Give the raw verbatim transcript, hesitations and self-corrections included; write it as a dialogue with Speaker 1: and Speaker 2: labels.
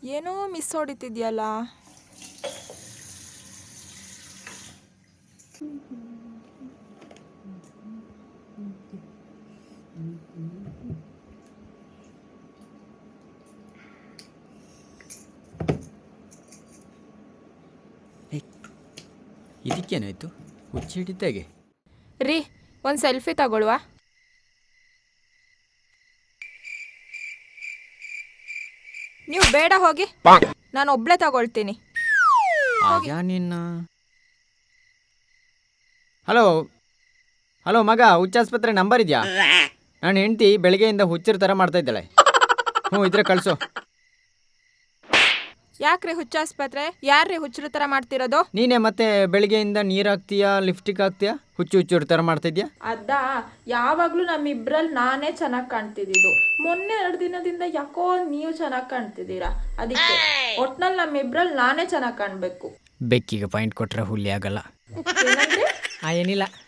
Speaker 1: ಏನೋ ಮಿಸ್ ಹೊಡಿತಿದ್ಯಲ್ಲ.
Speaker 2: ಇದಕ್ಕೇನಾಯ್ತು? ಹುಚ್ಚಿ ಹಿಡಿತಾಗೆ.
Speaker 1: ರೀ ಒಂದು ಸೆಲ್ಫಿ ತಗೊಳ್ವಾ? ನೀವು ಬೇಡ ಹೋಗಿ, ನಾನು ಒಬ್ಳೆ ತಗೊಳ್ತೀನಿ.
Speaker 2: ಆಗ ನಿನ್ನ ಹಲೋ ಹಲೋ ಮಗ, ಹುಚ್ಚಾಸ್ಪತ್ರೆ ನಂಬರ್ ಇದೆಯಾ? ನನ್ನ ಹೆಂಡತಿ ಬೆಳಗ್ಗೆಯಿಂದ ಹುಚ್ಚರ ಥರ ಮಾಡ್ತಾ ಇದ್ದಾಳೆ. ಹ್ಞೂ ಇದ್ರೆ ಕಳಿಸು.
Speaker 1: ಯಾಕ್ರಿ ಹುಚ್ಚಾಸ್ಪತ್ರೆ? ಯಾರ್ರೀ ಹುಚ್ಚರ ಥರ ಮಾಡ್ತಿರೋದು?
Speaker 2: ನೀನೇ ಮತ್ತೆ ಬೆಳಗ್ಗೆಯಿಂದ ನೀರು ಹಾಕ್ತೀಯಾ, ಲಿಫ್ಟಿಗೆ ಹಾಕ್ತೀಯಾ, ಹುಚ್ಚು ಹುಚ್ಚರ ಥರ ಮಾಡ್ತಿದ್ಯಾ?
Speaker 1: ಅದ ಯಾವಾಗಲೂ ನಮ್ಮಿಬ್ರಲ್ಲಿ ನಾನೇ ಚೆನ್ನಾಗಿ ಕಾಣ್ತಿದ್ದಿದ್ದು. ಮೊನ್ನೆ ಎರಡು ದಿನದಿಂದ ಯಾಕೋ ನೀವು ಚೆನ್ನಾಗಿ ಕಾಣ್ತಿದ್ದೀರಾ. ಅದಕ್ಕೆ ಒಟ್ನಲ್ಲಿ ನಮ್ಮಿಬ್ರಲ್ಲಿ ನಾನೇ ಚೆನ್ನಾಗಿ ಕಾಣಬೇಕು.
Speaker 2: ಬೆಕ್ಕಿಗೆ ಪಾಯಿಂಟ್ ಕೊಟ್ರೆ ಹುಲಿ ಆಗಲ್ಲ.
Speaker 1: ಏನಂದ್ರೆ
Speaker 2: ಆ ಏನಿಲ್ಲ.